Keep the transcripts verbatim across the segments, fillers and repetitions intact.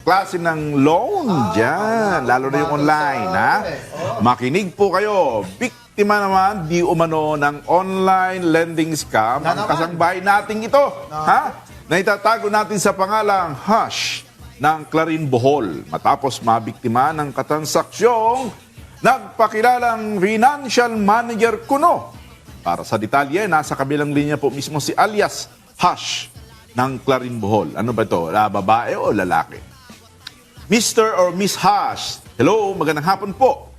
klase ng loan dyan, lalo na yung online, ha? Makinig po kayo. Biktima naman, di umano ng online lending scam ang kasangbahay nating ito, ha? Na itatago natin sa pangalang Hash ng Clarin Bohol matapos mabiktima ng katransaksyon nagpakilalang financial manager kuno. Para sa detalye, nasa kabilang linya po mismo si alias Hash ng Clarin Bohol. Ano ba ito? La, babae o lalaki? Mister or Miss Hash, hello, magandang hapon po.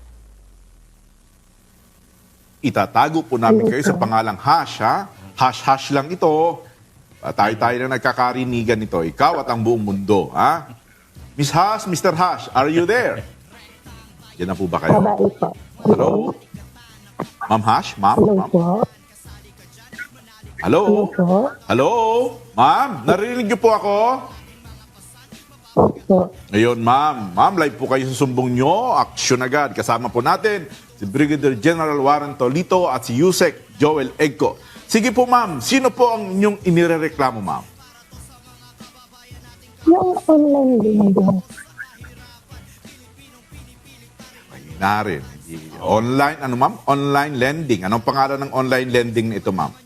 Itatago po namin kayo sa pangalang Hash, ha? Hash-hash lang ito. Tayo-tayo na nagkakarinigan nito. Ikaw at ang buong mundo, ha? Miss Hash, Mister Hash, are you there? Yan na po ba kayo? Babae po. Hello? Ma'am Hash? Ma'am? Hello Ma'am? po. Hello? Hello po. Hello? Ma'am, narinig niyo po ako? Opo. Ngayon, ma'am. Ma'am, live po kayo sa sumbong nyo. Aksyon agad. Kasama po natin si Brigadier General Warren Tolito at si Yusek Joel Egco. Sige po, ma'am. Sino po ang inyong inirereklamo, ma'am? Yung online lending. Na rin. Online, ano ma'am? Online lending. Anong pangalan ng online lending na ito, ma'am?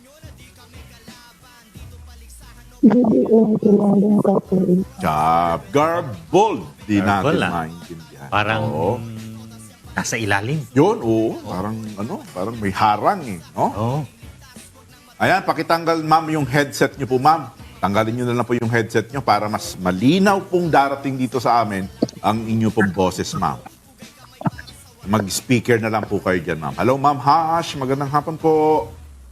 B B N Lending Corporation. Job. Garbled. Di Garbled, natin ah. maintindihan. Parang Oo. nasa ilalim. Yun, oo. Parang, ano, parang may harang eh. No? Oo. Ayan, pakitanggal, ma'am, yung headset nyo po, ma'am. Tanggalin nyo na lang po yung headset nyo para mas malinaw pong darating dito sa amin ang inyo pong boses, ma'am. Mag-speaker na lang po kayo dyan, ma'am. Hello, ma'am Hash. Magandang hapon po.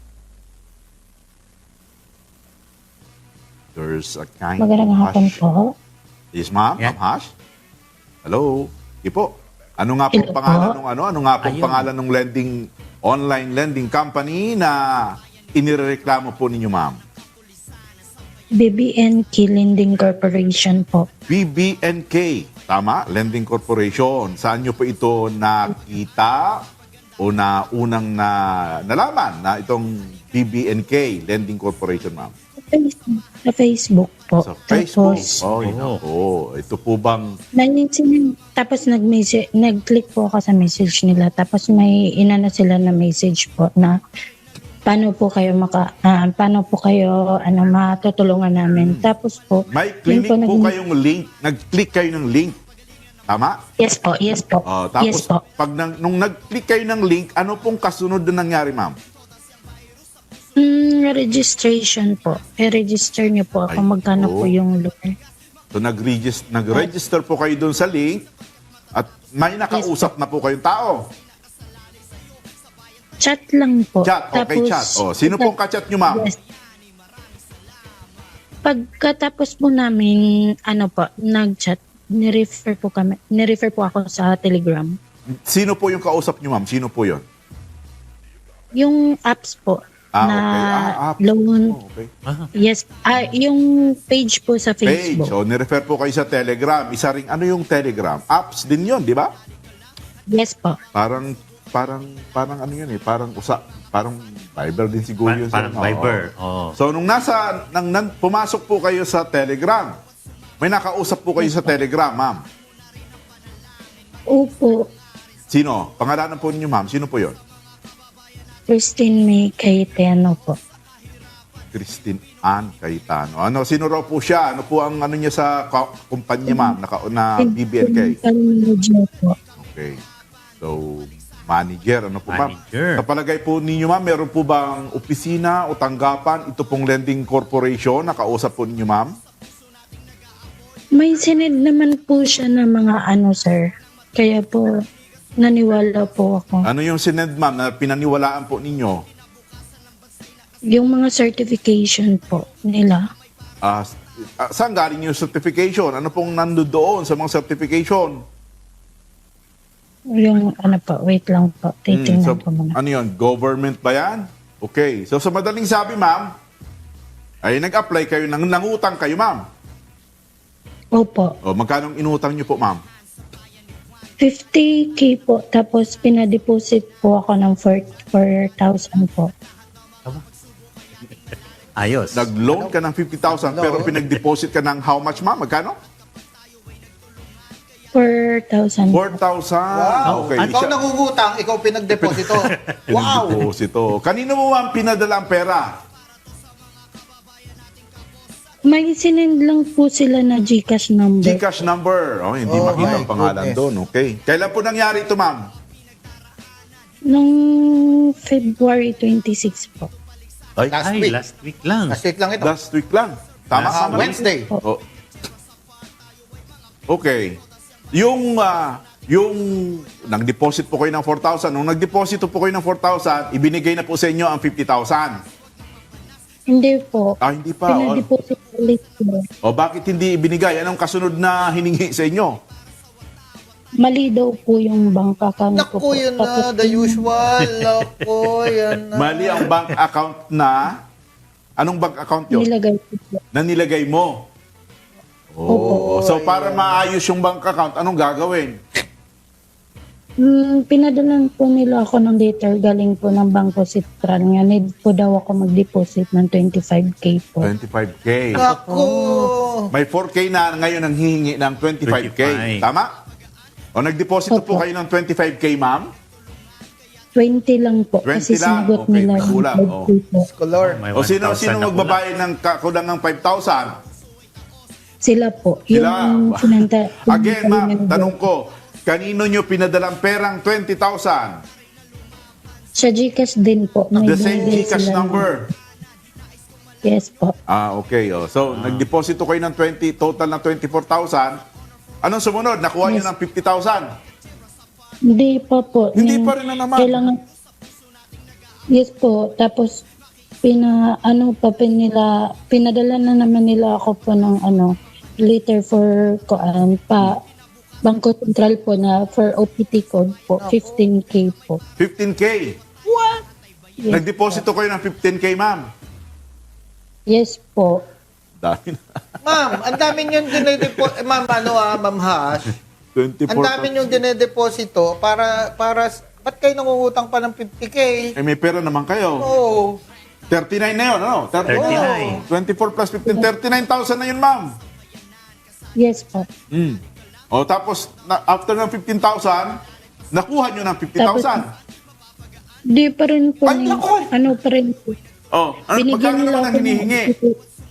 There's a kind Magandang of hapon hush. po. Yes, ma'am. Yeah. Ma'am Hash. Hello. Di po. Ano nga pong Hello pangalan po. ng ano? Ano nga pong Ayun. pangalan ng lending online lending company na inireklamo po ninyo, ma'am? B B N K Lending Corporation po. B B N K. Tama? Lending Corporation. Saan nyo po ito nakita o na unang na nalaman na itong B B N K Lending Corporation, ma'am? Sa Facebook po. Sa Facebook. Tapos, Oh, Oo. oh, ito po bang nag- tapos nag-message, nag-click po ako sa message nila. Tapos may inana sila na message po na paano po kayo maka ah, paano po kayo ano matutulungan namin. Tapos po may yun clinic po naging- kayong link, nag-click kayo ng link. Tama? Yes po, yes po. Oh, tapos yes po. pag nang, nung nag-click kayo ng link, ano pong kasunod na nangyari, ma'am? Mm, registration po. I-register niyo po Ay, kung magkano po. po yung loan. So nag-register, nag-register po kayo doon sa link at may nakausap na po kayong tao. Chat lang po. Chat, okay, chat. Oh, sino pong ka-chat nyo, ma'am? Yes. Pagkatapos po namin, ano po, nag-chat, nirefer po kami, nirefer po ako sa Telegram. Sino po yung kausap nyo, ma'am? Sino po yun? Yung apps po, Ah, na okay. Ah, app. loan, Oh, okay. Ah, yes, ah, yung page po sa Page. Facebook. So, nirefer po kayo sa Telegram. Isa ring, ano yung Telegram? Apps din yun, di ba? Yes po. Parang, parang, parang ano yun eh, parang usa, parang Viber din siguro pa- yun. parang Oo. Viber. Oo. So, nung nasa, nang, nan, pumasok po kayo sa Telegram, may nakausap po kayo sa Telegram, ma'am. Opo, Sino? Pangalanan po ninyo, ma'am. Sino po yun? Christine May Cayetano po. Christine Ann Cayetano. Ano, sino raw po siya? Ano po ang ano niya sa ka- kumpanya, ma'am, naka, na B B N K? Manager po. Okay. So, manager, ano po, ma'am? Manager. Sa palagay po ninyo, ma'am, meron po bang opisina o tanggapan ito pong lending corporation? Nakausap po ninyo, ma'am? May sinend naman po siya ng mga ano, sir. Kaya po, naniwala po ako. Ano yung sinend, ma'am, na pinaniwalaan po ninyo? Yung mga certification po nila. Ah, s- ah, saan galing yung certification? Ano pong nando doon sa mga certification? Yung ano po, wait lang po. Hmm, Titingnan so, ko muna. ano yun? Government ba yan? Okay. So, sa madaling sabi, ma'am, ay nag-apply kayo, nang nangutang kayo, ma'am. Opo. O, magkano inutang niyo po, ma'am? fifty K po. Tapos pinadeposit po ako ng four thousand po. Ayos. Nag-loan ka ng fifty thousand pero pinag-deposit ka ng how much, ma'am? Magkano? four thousand. four thousand. Wow. Okay. Ikaw Siya- nangungutang, ikaw pinagdeposito. Wow. Pinagdeposito. Kanino mo ma'am pinadala ang pera? May sinend lang po sila na GCash number. Gcash number. Oh, hindi Oh, makita my ang pangalan goodness. doon. Okay. Kailan po nangyari ito, ma'am? Nung February twenty-six po. Ay, Last Ay, week. last week lang. Last week lang ito. last week lang. Tama Last ka, Ah, ma'am? Wednesday. Oh. Okay. Yung ah, yung nag-deposit po kayo ng four thousand, nung nag-deposito po kayo ng four thousand, ibinigay na po sa inyo ang fifty thousand. Hindi po. Ah, hindi pa. O, Pinadeposit ulit po. o bakit hindi ibinigay? Anong kasunod na hiningi sa inyo? Mali daw po yung bank account ko po. Naku, yun na. Tapos The usual. Naku, yan na. Mali ang bank account na... Anong bank account yun? nilagay ko po. Na nilagay mo. Oh, so para maayos yung bank account, anong gagawin? Hmm, pinadalan po nila ako ng letter galing po ng Bangko Sentral. Nga, need po daw ako mag-deposit ng twenty-five K po. twenty-five K. Naku. May four K na ngayon ang hihingi ng twenty-five K. twenty-five. Tama? O nagdeposito po Opo. kayo ng twenty-five K, ma'am? twenty lang po. twenty Kasi lang? sinagot Okay, nila may yung kulang, five oh. K po. Scholar. May O sino, one thousand sino na magbabayad ng kakulang ng five thousand? Sila po. Sila. Yung sinanta. Again, ma'am, tanong ko, kanino nyo pinadalang perang twenty thousand? Sa GCash din po. May The same binigay Gcash sila. number. Yes po. Ah, okay. Oh. So, nagdeposito kayo ng twenty, total ng twenty-four thousand. Anong sumunod? Nakuha nyo Yes. ng fifty thousand. Hindi pa po. Hindi Yung pa rin na naman. Kailangan, yes po. Tapos, pina, ano pa pin nila, pinadala na naman nila ako po ng ano, letter for, koan, pa, Bangko Sentral po na for O P T code po, fifteen K po. fifteen K. Yes, Nagdeposito kayo ng fifteen K, ma'am. yes po. Dami na. Ma'am, ang dami nyo dinedeposito. Ma'am, ano ah, Ma'am Hash. twenty-four. Ang dami nyo dinedeposito para, para, ba't kayo nangungutang pa ng fifty K? Eh, may pera naman kayo. Oo. thirty-nine na yun, ano? thirty-nine. twenty-four plus fifteen, thirty-nine thousand na yun, ma'am. Yes po. Mm. O tapos, na, after ng fifteen thousand, nakuha nyo ng fifty thousand. Di pa rin po, Ay, ni- naku! ano pa rin po. Oh, ano, magkano naman ang ako ng hinihingi? O P T.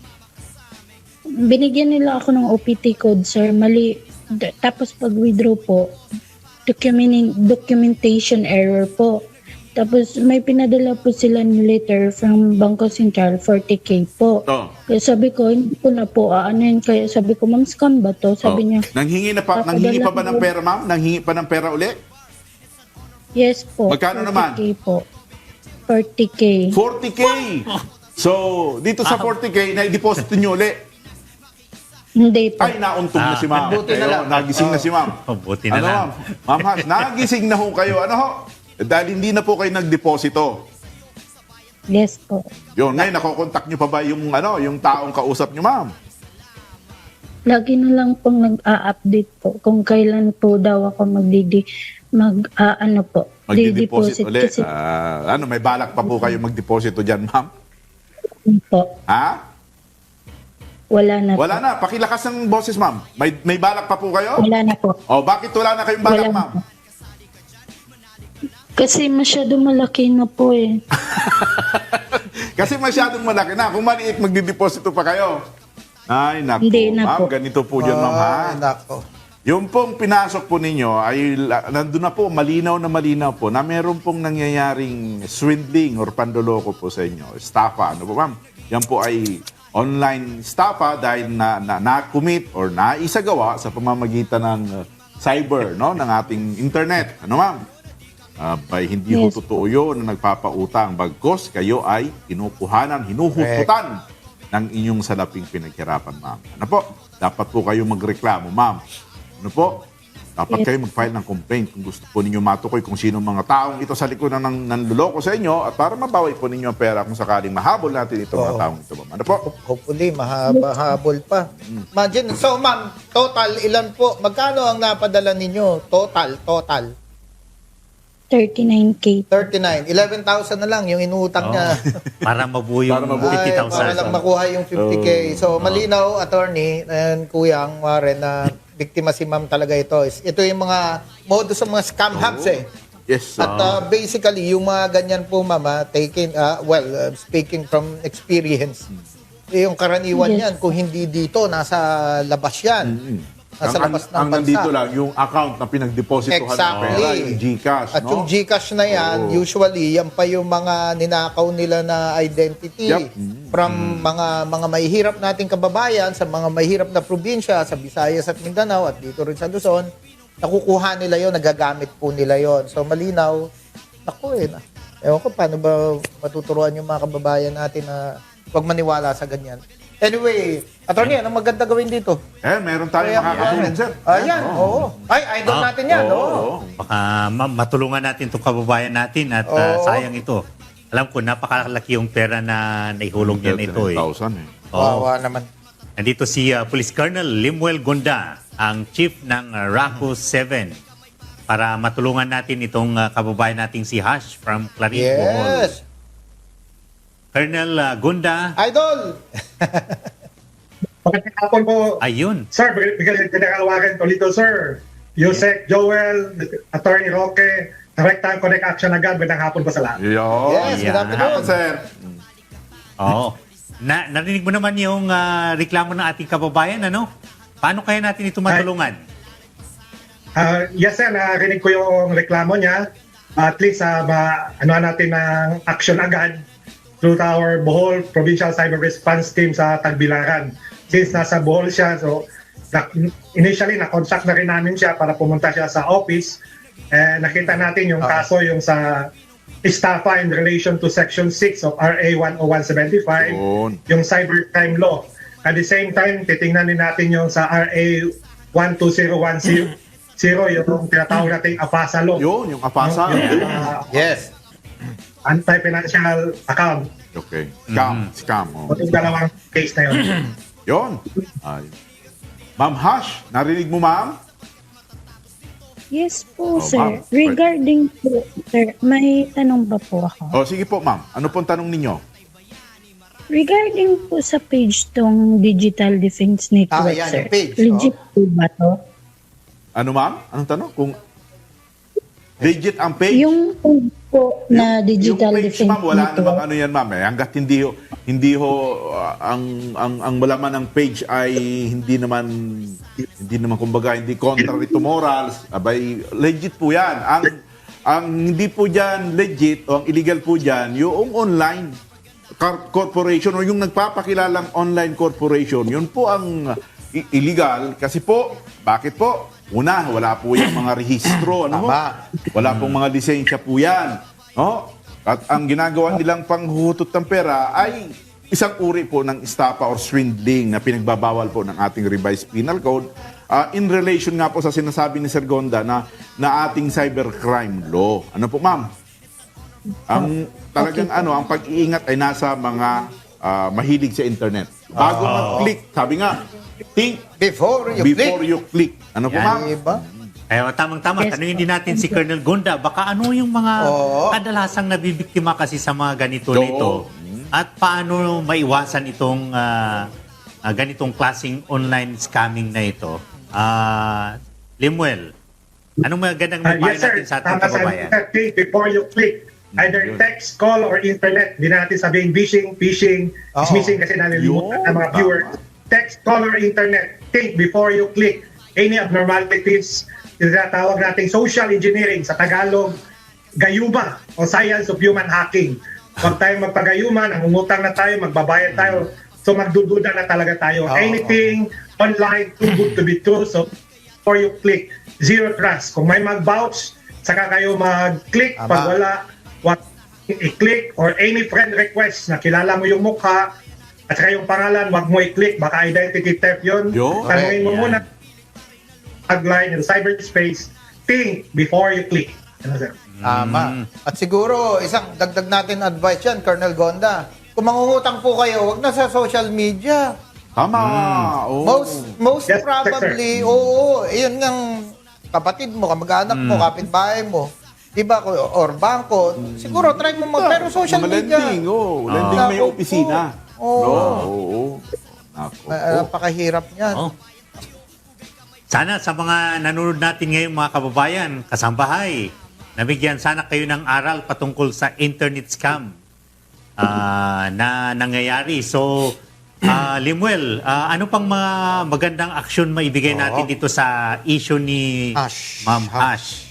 Binigyan nila ako ng O P T code, sir. Mali. D- Tapos pag withdraw po, document documentation error po. Tapos may pinadala po sila ng letter from Bangko Sentral, forty K po. Oh. Kaya sabi ko, hindi ko na po aanin. Kaya sabi ko, ma'am, scam ba to? Sabi Oh. niya, Nanghingi na pa, Papadala nanghingi pa ba ng ko. pera, ma'am? Nanghingi pa ng pera uli? yes po. Magkano naman? forty K po. forty K. forty K. So, dito sa forty K, na-deposit nyo uli. Hindi po. Ay, nauntog na si ma'am. Buti na lang. Ayun, nagising na si ma'am. Oh, buti na ano, lang. ma'am? Ma'am Hash, nagising na ho kayo. Ano ho? Dahil hindi na po kayo nagdeposito. Yes po. Yun, ngayon, nakokontak nyo pa ba yung, ano, yung taong kausap nyo, ma'am? Lagi na lang pong nag-a-update po kung kailan po daw ako magdidi mag ah, ano po Magde-deposit di-deposit uli. kasi Ah, ano, may balak pa po kayo magdeposito dyan, ma'am? po Ha? wala na Wala po. na. Pakilakas ng boses, ma'am. May, may balak pa po kayo? Wala na po. O, bakit wala na kayong balak, Wala na ma'am? po. Kasi masyado malaki na po eh. Kasi masyadong malaki na. Kung maliit, magdideposito pa kayo. Ay, naku. Hindi na ma'am, po. ganito po dyan, ma'am, ha? Ah, nako. Yung pong pinasok po ninyo ay la- nandun na po, malinaw na malinaw po na meron pong nangyayaring swindling or pandoloko po sa inyo. Estafa, ano po, ma'am? Yan po ay online estafa dahil na, na, na-commit or naisagawa sa pamamagitan ng uh, cyber, no? Ng ating internet. Ano, ma'am? Ah, by hindi ho Yes. totoo yun na nagpapautang. Bagkos, kayo ay kinukuhanan, hinuhututan ng inyong salaping pinaghirapan, ma'am. Ano po? Dapat po kayo magreklamo, ma'am. Ano po? Dapat Yes. kayo mag-file ng complaint kung gusto po ninyo matukoy kung sino mga taong ito sa likod ng, ng luloko sa inyo at para mabawi po ninyo ang pera kung sakaling mahabol natin itong mga Oo. taong ito, ma'am. Ano po? Hopefully, mahaba-habol pa. Imagine, so ma'am, total, ilan po? Magkano ang napadala ninyo? Total, total. thirty-nine K. thirty-nine. eleven thousand na lang yung inuutang Oh, niya. para mabuo yung Para mabuo. fifty Ay, thousand. para lang makuha yung fifty K. So, malinaw, attorney, and kuyang, Warren, na biktima si ma'am talaga ito. Is- Ito yung mga modus ng mga scam hubs eh. Yes, sir. At uh, basically, yung mga ganyan po, mama, taking, uh, well, uh, speaking from experience, eh, yung karaniwan Yes. yan, kung hindi dito, nasa labas yan. Nasa ang, labas ng ang bansa. nandito lang, yung account na pinagdepositohan ng Exactly. pera, yung GCash, At no? yung GCash na yan, Oo. usually, yan pa yung mga ninakaw nila na identity Yup. from mga mga mahihirap nating kababayan sa mga mahihirap na probinsya, sa Visayas at Mindanao at dito rin sa Luzon, nakukuha nila yon, nagagamit po nila yon. So malinaw, naku eh, na, ewan ko paano ba matuturuan yung mga kababayan natin na huwag maniwala sa ganyan. Anyway, attorney, anong maganda gawin dito? Eh, meron tayong Kaya- makakatulong, sir. Ayan, Oo. oo. Ay, idol Ah, natin yan, oo. Oo. Baka ma- matulungan natin itong kababayan natin at ah, Oo. sayang ito. Alam ko, napakalaki yung pera na naihulog niya nito eh. thirty-nine thousand eh. Oo. Wawa naman. Nandito si ah, Police Colonel Limuel Gonda, ang chief ng uh, RACO seven, para matulungan natin itong ah, kababayan nating si Hash from Clarín, Bohol. Yes. Colonel ah, Gonda, Idol! Magandang hapon po. ayun. Sir, bigyan General Warren Tolito, sir. Yusek, Joel, Attorney Roque, Direct Time Connect Action agad. Magandang hapon po sa lahat. Yo. Yes, good Yan. afternoon. Hapon, sir. Oo. Na, narinig mo naman yung ah, reklamo ng ating kababayan, ano? Paano kaya natin ito matulungan? Ah, yes, sir. Narinig ko yung reklamo niya. At least, uh, ma- ano natin ng action agad through our Bohol Provincial Cyber Response Team sa Tagbilaran. Since nasa Bohol siya, so na- initially, na-contact na rin namin siya para pumunta siya sa office. Eh, nakita natin yung Ah. kaso yung sa estafa in relation to Section six of R A one oh one seventy-five, Yun. yung cybercrime law. At the same time, titingnan din natin yung sa R A one two zero one zero, yung tinatawag nating AFASA law. Yun, yung apasa. Yung, uh, Yes. anti-financial account. Okay. Scam. Scam. Oh. Yung dalawang case na yun. Yun. Ay. Ma'am Hash, narinig mo, ma'am? Yes po, Oh, sir. ma'am. Regarding po, sir, may tanong ba po ako? O, sige po, ma'am. Ano pong tanong ninyo? Regarding po sa page tong Digital Defense Network, Ah, yan, sir. yung page, Legit po ba to? Ano, ma'am? Anong tanong? Kung legit ang page? Yung page po na Digital yung page, Defense ma'am, wala Network. namang ano yan, ma'am. Eh. Hanggat hindi ho, hindi ho, uh, ang, ang, ang malaman ng page ay hindi naman, hindi naman, kumbaga, hindi contrary to morals. Abay, legit po yan. Ang, ang hindi po dyan legit o ang illegal po dyan, yung online car- corporation o yung nagpapakilalang online corporation, yun po ang i- illegal. Kasi po, bakit po? Una, wala po yung mga rehistro. Ano mo? Tama. Wala pong mga lisensya po yan. No? At ang ginagawa nilang panghuhutot ng pera ay isang uri po ng estafa or swindling na pinagbabawal po ng ating revised penal code ah, in relation nga po sa sinasabi ni Sir Gonda na, na ating cybercrime law. Ano po, ma'am? Ang talagang ano, ang pag-iingat ay nasa mga ah, mahilig sa internet. Bago mag-click, sabi nga, think Before you before click. you click. Ano po, Yan. ma'am? Diba? Kaya tamang-tama, Yes. tanungin din natin si Colonel Gonda, baka ano yung mga Oo. kadalasang nabibiktima kasi sa mga ganito Oo. nito at paano maiwasan itong ah, ah, ganitong klaseng online scamming na ito. Ah, Limuel, anong magandang Ah, mapayo yes, sir. natin sa ating Tama sa kababayan? click before you click. Either Yun. text, call, or internet. Di na natin sabihin phishing, phishing, Oo. dismissing kasi nalilimutan Yun, ng mga tama. viewers. Text, call, or internet. Think before you click. Any abnormalities, tinatawag nating social engineering sa Tagalog, gayuma o science of human hacking. Huwag tayong magpagayuma, nangungutang na tayo, magbabayad tayo. So magdududa na talaga tayo. Oo. Anything online too good to be true. So before you click, zero trust. Kung may mag-vouch, saka kayo mag-click. Tama. Pag wala, wag i-click or any friend request na kilala mo yung mukha at saka yung pangalan, wag mo i-click. Baka identity theft yun. Yo. Tanungin mo Yan. muna tagline in cyberspace, think before you click. Ano, sir? Tama. At siguro, isang dagdag natin advice yan, Colonel Gonda. Kung mangungutang po kayo, wag na sa social media. Tama. Oo. Most most Yes, probably, oo, yun ng kapatid mo, kamag-anak mo, kapitbahay mo. Diba? Or bangko. Siguro, try mo mag... Pero social Mga media. lending, oh. Lending Ah. may Nako opisina. po. Oo. No? Oo. Nako. Ah, napakahirap niyan. Oh. Sana sa mga nanonood natin ngayon mga kababayan, kasambahay, nabigyan sana kayo ng aral patungkol sa internet scam ah, na nangyayari. So, ah, Limuel, ah, ano pang mga magandang aksyon maibigay natin dito sa issue ni Hash. Ma'am Hash?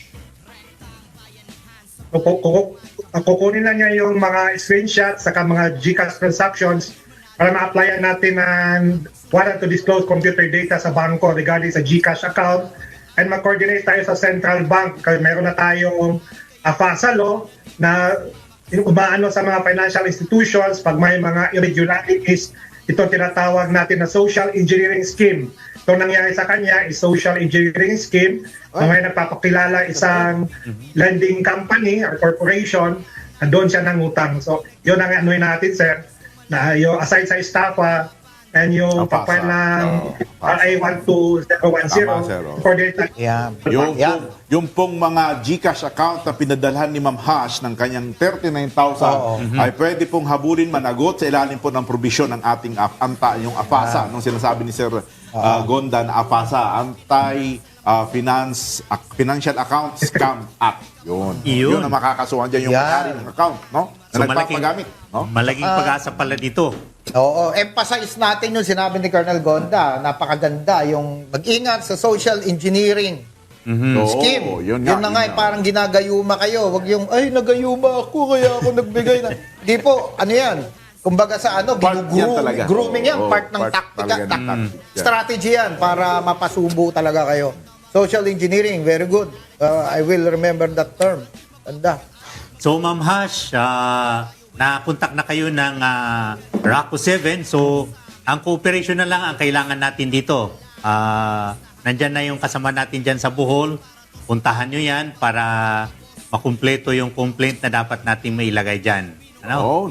Kuku- kuku- Kukunin na niya yung mga screenshots saka mga GCash transactions para ma-applyan natin ng warrant to disclose computer data sa bangko regarding sa GCash account and mag-coordinate tayo sa central bank kasi meron na tayong uh, FASA law na umaano sa mga financial institutions pag may mga irregularities. Ito tinatawag natin na social engineering scheme. Ito nangyari sa kanya is social engineering scheme na may nagpapakilala isang lending company or corporation na doon siya nangutang. So, yun ang ano natin, sir, na yung aside sa estafa and yung Apasa. papel ng Oo, R I one two zero one zero Tama, sir, oh. for data. Yan. Yung, Yan. yung, yung pong mga GCash account na pinadalhan ni Ma'am Hash ng kanyang thirty-nine thousand Oo. ay pwede pong habulin managot sa ilalim po ng probisyon ng ating A- ANTA, yung APASA, nung sinasabi ni Sir uh, Gonda na APASA, Anti uh, Finance Ac- Financial Account Scam Act. Yun. Iyon. Yun ang makakasuhan dyan yung Yan. may-ari ng account, no? Na nagpapagamit, no? malaking pag-asa pala dito. Oo, emphasize natin yung sinabi ni Colonel Gonda. Napakaganda yung mag-ingat sa social engineering Oo, scheme. yun Yun, nga, na yun nga, nga. parang ginagayuma kayo. Wag yung, ay, nagayuma ako, kaya ako nagbigay na. Hindi po, ano yan? Kumbaga sa ano, Part yan ginugroom- talaga. grooming yan, Oo, part ng part taktika, talaga ng tak- tactic yan. strategy yan para mapasubo talaga kayo. Social engineering, very good. Uh, I will remember that term. Tanda. So, Ma'am Hash, ah, nakontak na kayo ng ah, RACO seven. So, ang cooperation na lang ang kailangan natin dito. Ah, nandyan na yung kasama natin dyan sa Bohol. Puntahan nyo yan para makumpleto yung complaint na dapat natin mailagay dyan. Ano? Oh.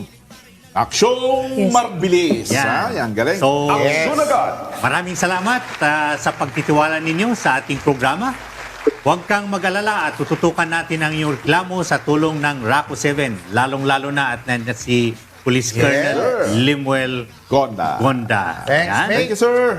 Aksyong Yes. marbilis. Yan. Ha? Yan, galing. So, Aksyon agad. Maraming salamat ah, sa pagtitiwala ninyo sa ating programa. Huwag kang mag-alala at tututukan natin ang iyong reklamo sa tulong ng RACO seven. Lalong-lalo na at nandiyan si Police Colonel sir. Limuel Gonda. Gonda. Thanks, Yan. mate. Thank you, sir.